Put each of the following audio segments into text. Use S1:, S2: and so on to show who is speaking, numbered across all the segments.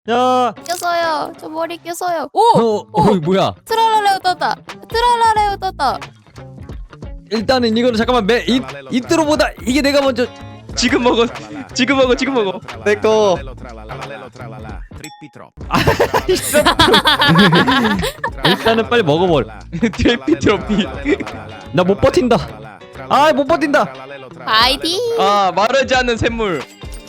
S1: 야.
S2: 꼈어요. 저 머리 꼈어요. 오!
S1: 뭐야?
S2: 트랄라레오 떴다. 트랄라레오 떴다.
S1: 일단은 이거는 잠깐만 이트로보다 이게 내가 먼저.
S3: 지금 먹어. 지금 먹어. 지금 먹어.
S4: 내꺼.
S1: 일단은 빨리 먹어버려.
S3: 트래피 트로피.
S1: 나 못 버틴다. 아, 못 버틴다.
S2: 파이팅!
S3: 아 마르지 않는 샘물.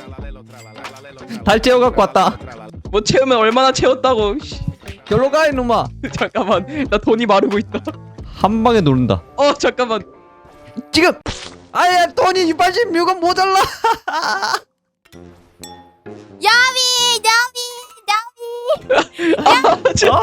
S1: 달 채워 갖고 왔다.
S3: 뭐 채우면 얼마나 채웠다고. 씨.
S1: 결로 가 이놈아.
S3: 잠깐만. 나 돈이 마르고 있다.
S1: 한 방에 노른다.
S3: 잠깐만.
S1: 지금. 아야, 돈이 86원 모자라.
S2: 야미!
S3: 진짜.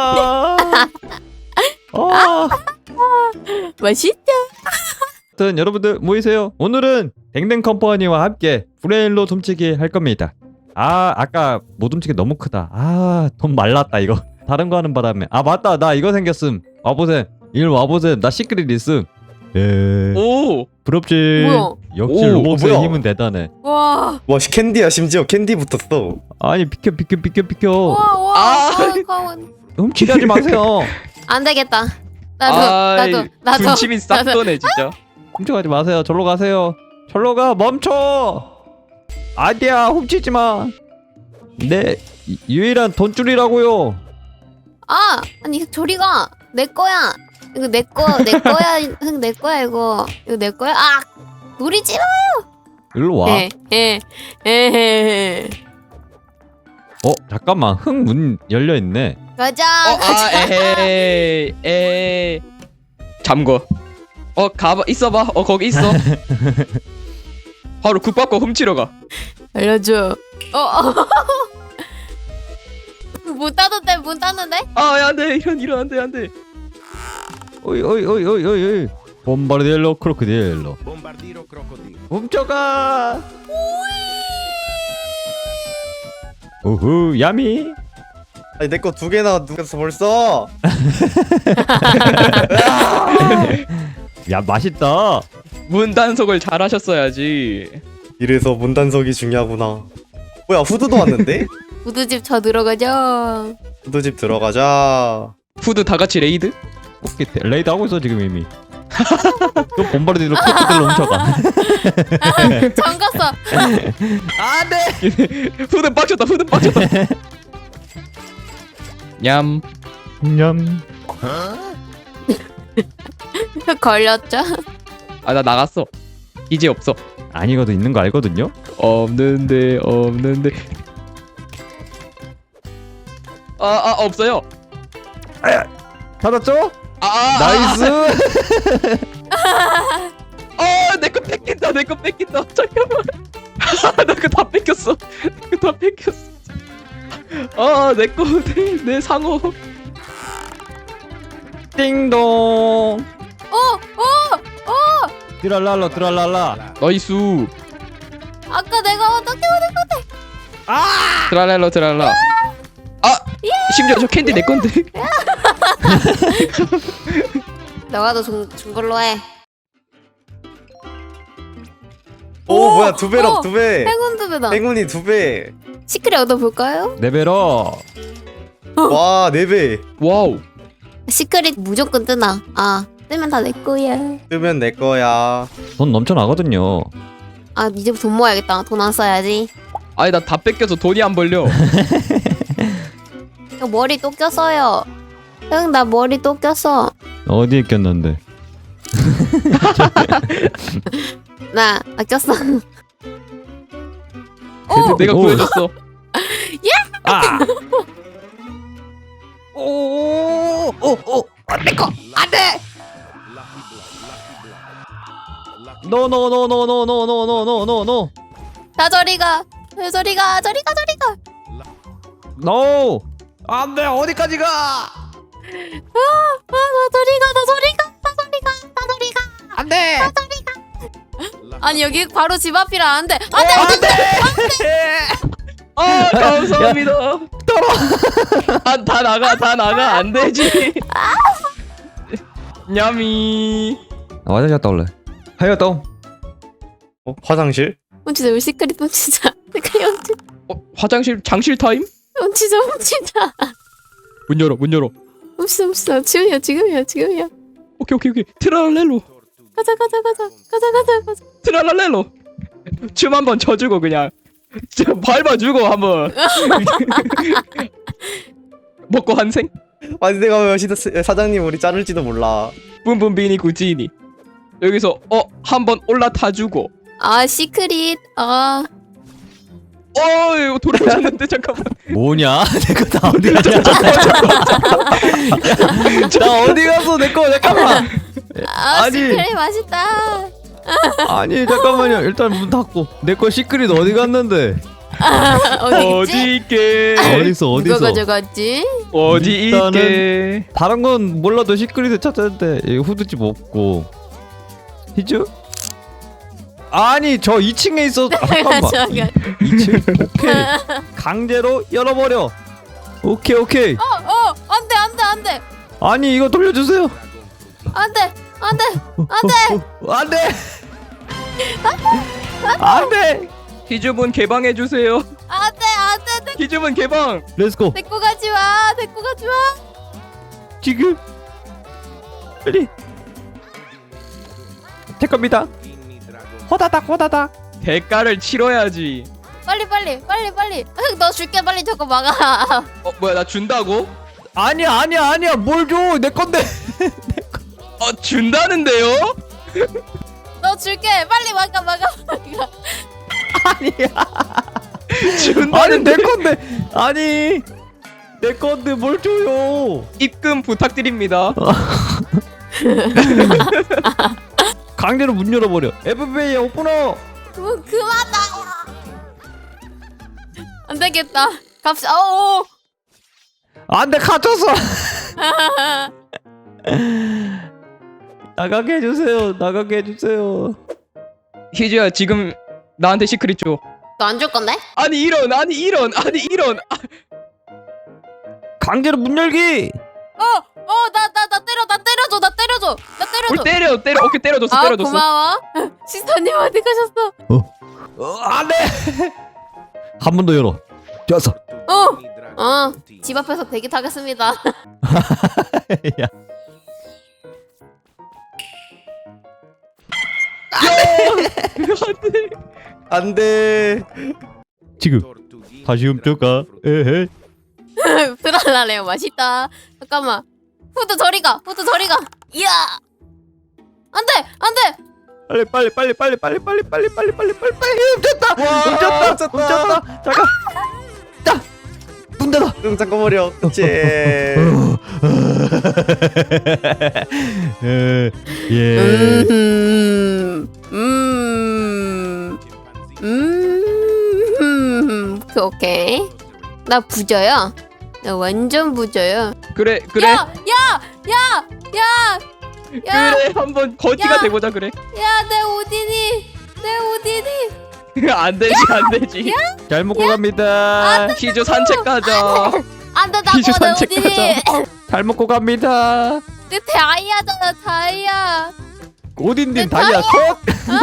S2: 맛있다.
S1: 아무튼 여러분들 모이세요. 오늘은 댕댕 컴퍼니와 함께 브레일로 훔치기 할 겁니다. 아까 못 훔치기 너무 크다. 돈 말랐다 이거. 다른 거 하는 바람에. 맞다, 나 이거 생겼음. 와보셈. 일 와보셈. 나 시크릿 있음.
S3: 오.
S1: 부럽지.
S2: 뭐야?
S1: 역시
S4: 오,
S1: 로봇의
S4: 뭐야?
S1: 힘은 대단해.
S2: 와.
S4: 와 캔디야 심지어 캔디 붙었어.
S1: 아니 비켜.
S2: 와. 가운.
S1: 훔치게 하지 마세요.
S2: 안 되겠다. 나도.
S3: 군침이 싹
S2: 나도.
S3: 도네 진짜.
S1: 훔쳐가지 마세요. 절로 가세요. 절로 가. 멈춰. 아니야, 훔치지 마. 내 유일한 돈줄이라고요.
S2: 아니 저리가 내 거야. 이거 내 거야. 흥 내 거야 이거. 이거 내 거야. 노리지 마.
S1: 일로 와.
S2: 에.
S1: 잠깐만. 흙 문 열려 있네.
S2: 가자.
S3: 에헤이. 잠궈. 가봐. 있어봐. 거기 있어. 바로 국밥거 훔치러 가.
S2: 알려줘. 문 닫는데?
S3: 야, 안돼. 이런 안돼.
S1: 오이. 봄바르디엘로 크로코딜로. 훔쳐가. 우후, 야미.
S4: 아니 내 거 두 개나 누겼어 벌써.
S1: 야, 맛있다.
S3: 문 단속을 잘 하셨어야지.
S4: 이래서 문단속이 중요하구나. 뭐야 후드도 왔는데?
S2: 우드집 저 들어가자.
S4: 후드집 들어가자.
S3: 후드 다 같이 레이드?
S1: 오케이, 레이드 하고 있어 지금 이미. 또 봄바르디엘로 크로코딜로 훔쳐가.
S2: 잠갔어.
S1: 안돼.
S3: 후드 빡쳤다. 냠.
S1: 냠.
S2: 걸렸죠?
S3: 나 나갔어. 이제 없어.
S1: 아니거든, 있는 거 알거든요.
S3: 없는데. 없어요.
S1: 받았죠?
S3: 나이스.
S1: 나이스.
S3: 내 거 뺏긴다. 잠깐만. 나 거 다 뺏겼어. 내 상어.
S1: 띵동. 드랄랄라.
S3: 나이스.
S2: 아까 내가 어떻게
S3: 트랄랄라. 심지어 저 캔디 내 건데.
S2: 너가 더 준 걸로 해.
S4: 오 뭐야 두 배럭 두 배.
S2: 행운 두 배다.
S4: 행운이 두 배.
S2: 시크릿 얻어볼까요?
S1: 레벨업.
S4: 와 네 배.
S3: 와우.
S2: 시크릿 무조건 뜨나. 뜨면 다 내 거야.
S4: 뜨면 내 거야.
S1: 돈 넘쳐나거든요.
S2: 이제부터 돈 모아야겠다. 돈 안 써야지.
S3: 아니 나 다 뺏겨서 돈이 안 벌려.
S2: 형 머리 또 꼈어요. 형 나 머리 또 꼈어.
S1: 어디에 꼈는데?
S2: 나 꼈어.
S3: 내가
S1: 오.
S3: 구해줬어.
S1: 내거 안돼. 노.
S2: 다 저리가. 저리가.
S1: 노. 안돼, 어디까지 가?
S2: 다 저리가.
S1: 안돼.
S2: 아니 여기 바로 집 앞이라 안 돼.
S1: 안돼.
S3: 감사합니다. 다 나가 안 되지. 냠이.
S1: 화장실 갔다 올래. 하여동.
S4: 화장실?
S2: 훔치자. 우리 시크릿 훔치자. 시크릿 훔치자.
S3: 화장실 장실 타임?
S2: 훔치자 훔치자.
S3: 문 열어 문 열어.
S2: 훔치자 지금이야 지금이야.
S3: 오케이. 트랄렐로.
S2: 가자.
S3: 트랄랄렐로. 춤 한번 춰주고 그냥 진짜 밟아주고 한번. 먹고 한생.
S4: 아니 내가 사장님 우리 자를지도 몰라.
S3: 뿜뿜비니 구지니. 여기서 한번 올라타주고.
S2: 아 시크릿. 아
S3: 이거 돌아오셨는데 잠깐만.
S1: 뭐냐? 내 거 다 어디 갔냐? 나 어디 갔어? 내 거 잠깐만. 아니.
S2: 시크릿 맛있다.
S1: 아니 잠깐만요. 일단 문 닫고 내 거 시크릿 어디 갔는데?
S2: 어디 있지?
S3: 있게?
S1: 어딨어?
S2: 누가 가져갔지?
S3: 어디
S1: 일단은
S3: 있게?
S1: 다른 건 몰라도 시크릿을 찾았는데 이 후드집 없고 히즈? 아니 저 2층에 있어. 잠깐만. 2층? 오케이. 강제로 열어버려. 오케이.
S2: 안돼.
S1: 아니 이거 돌려주세요.
S2: 안돼.
S1: 안돼.
S3: 희주분 개방해 주세요.
S2: 안돼.
S3: 희주분 개방.
S1: 렛츠고.
S2: 데리고 가지 마.
S1: 지금 빨리 제 겁니다. 호다닥.
S3: 대가를 치러야지.
S2: 빨리. 너 줄게 빨리 저거 막아.
S3: 뭐야 나 준다고?
S1: 아니야. 뭘 줘? 내 건데.
S3: 준다는데요?
S2: 너 줄게 빨리 막아.
S1: 아니야. 아니
S3: 준다는데.
S1: 내 건데. 아니 내 건데 뭘 줘요?
S3: 입금 부탁드립니다.
S1: 강제로 문 열어버려. FBI 오픈어.
S2: 그만 나와. 안 되겠다. 갑시다. 오.
S1: 안돼 갇혔어. 나가게 해주세요.
S3: 희주야 지금 나한테 시크릿 줘.
S2: 너 안 줄 건데?
S3: 아니 이런.
S1: 강제로 문 열기.
S2: 나 때려줘.
S3: 뭘 때려. 오케이 때려줬어.
S2: 고마워. 시스터님 어디 가셨어?
S1: 안돼. 한 번 더 열어. 좋았어.
S2: 집 앞에서 대기 타겠습니다.
S1: 야.
S4: 안돼.
S1: 지금 다시 훔쳐가. 에헤.
S2: 드랄라레요 맛있다. 잠깐만. 후드 저리 가. 이야. 안돼.
S1: 빨리 훔쳤다. 잠깐. 문 닫아.
S4: 응 잠깐만요. 그치.
S1: 예.
S2: 오케이. 나 부자야. 나 완전 부자야.
S3: 그래.
S2: 야.
S3: 그래 한번 거지가
S2: 야.
S3: 돼보자 그래.
S2: 야, 내 오디니.
S3: 안 되지.
S1: 잘 먹고 갑니다.
S3: 희주 산책 가자.
S2: 안돼
S3: 희주
S2: 나고 내
S3: 산책
S2: 오디니.
S1: 잘 먹고 갑니다.
S2: 내 다이아잖아 다이아.
S1: 오딘딘 다이아 컷.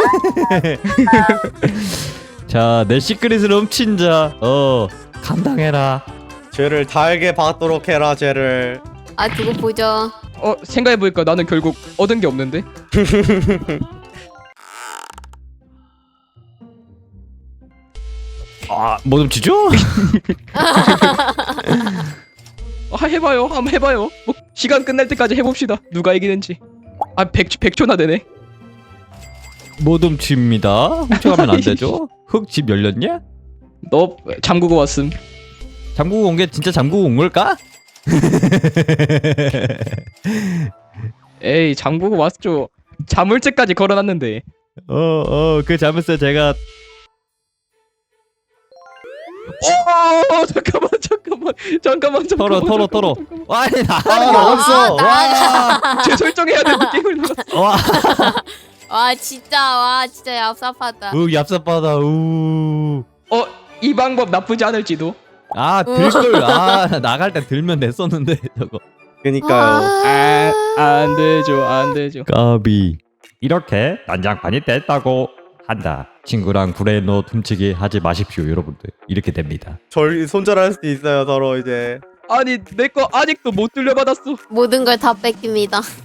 S1: 자, 내 시크릿을 훔친 자, 감당해라.
S4: 죄를 달게 받도록 해라 죄를.
S2: 아 두고 보죠.
S3: 생각해보니까 나는 결국 얻은 게 없는데.
S1: 뭐 훔치죠?
S3: 해봐요. 한번 해봐요. 뭐 시간 끝날 때까지 해봅시다. 누가 이기는지. 100초나 되네.
S1: 뭐 훔칩니다. 훔쳐가면 안 되죠? 흙 집 열렸냐?
S3: 너 잠그고 왔음.
S1: 잠그고 온 게 진짜 잠그고 온 걸까?
S3: 에이 잠그고 왔죠. 자물쇠까지 걸어놨는데.
S1: 그 자물쇠 제가
S3: 잠깐만.
S1: 털어. 아니 나
S4: 나갔어.
S3: 제 설정해야 되는 게임을 눌렀어.
S2: 와 진짜 얍삽하다.
S1: 얍삽하다.
S3: 이 방법 나쁘지 않을지도.
S1: 들걸. 나갈 때 들면 됐었는데 저거.
S4: 그니까요.
S3: 안 되죠.
S1: 까비. 이렇게 난장판이 됐다고 한다. 친구랑 브레인롯 훔치기 하지 마십시오 여러분들. 이렇게 됩니다.
S4: 절 손절할 수도 있어요 서로 이제.
S3: 아니 내 거 아직도 못 돌려받았어.
S2: 모든 걸 다 뺏깁니다.